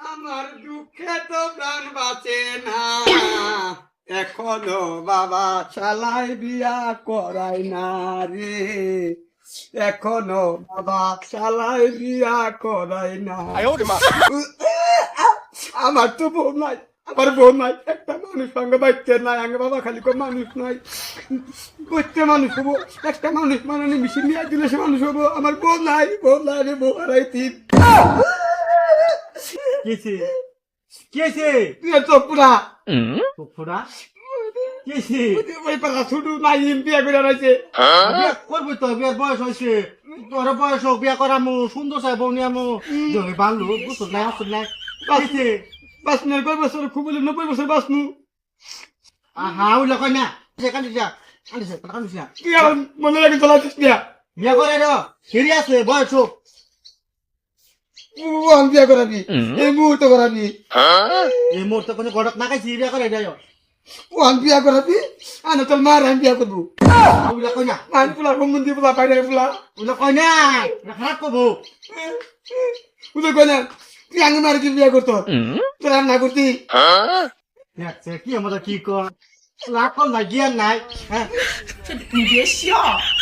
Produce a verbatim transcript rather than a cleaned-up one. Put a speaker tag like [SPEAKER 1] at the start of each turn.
[SPEAKER 1] আমার দুঃখে তো প্রাণ বাঁচে না, এখনো বাবা শালাই বিয়া করাই না রে, এখনো বাবা শালাই বিয়া করাই না। আমার তো বউ নাই, আমার বউ নাই, একটা মানুষ সঙ্গে বাচ্চা নাই, আগে বাবা খালি কো মানুষ নাই, করতে মানুষ হবো, একটা মানুষ মানে মিশিয়ে নিয়ে দিলে সে মানুষ হবো, আমার বউ নাই, বউ নাই রে, বউ হারাই তিন।
[SPEAKER 2] কেছে কেছে
[SPEAKER 1] তুই তো পুরা
[SPEAKER 2] ফুরা কেছে
[SPEAKER 1] ওই পালা ছুটু নাই বিয়া করে রয়েছে।
[SPEAKER 2] বিয়া করবি তো, বিয়ার বয়স হয়েছে, তোর বয়স হোক, বিয়া করামু, সুন্দর চাই বউ নিয়ামু, জমি বাংলু বুঝছো নাই আসল নাই কেছে
[SPEAKER 1] বাসনের কয় বছর খুব বলে নব্বই বছর বাসনু।
[SPEAKER 2] আহা ওইলা কই না কান্দিস যা কান্দিস কান্দিস না
[SPEAKER 1] তুই আমার মনে লাগে চলাচ্ছিস বিয়া,
[SPEAKER 2] বিয়া করে র ফিরে আছে বয়স হোক।
[SPEAKER 1] ও আমি বিয়া করাবি, এই মুহূর্তে করাবি,
[SPEAKER 2] এই মুহূর্তে কোনো গড়ক না খাইছি বিয়া করে যাই
[SPEAKER 1] ও আমি বিয়া করাবি, আনে তোর মার আমি বিয়া করবো,
[SPEAKER 2] ওইলা কই না
[SPEAKER 1] আমি পোলা সম্বন্ধী পোলা পাইলে পোলা,
[SPEAKER 2] ওইলা কই না খারাপ করবো
[SPEAKER 1] বুঝলো কয় না তুই আগে মার কি বিয়া করতো, তোর আর না করতি।
[SPEAKER 2] দেখছে কি আমাদের কি কর লাখ নাই জ্ঞান নাই হ্যাঁ
[SPEAKER 3] 你别笑。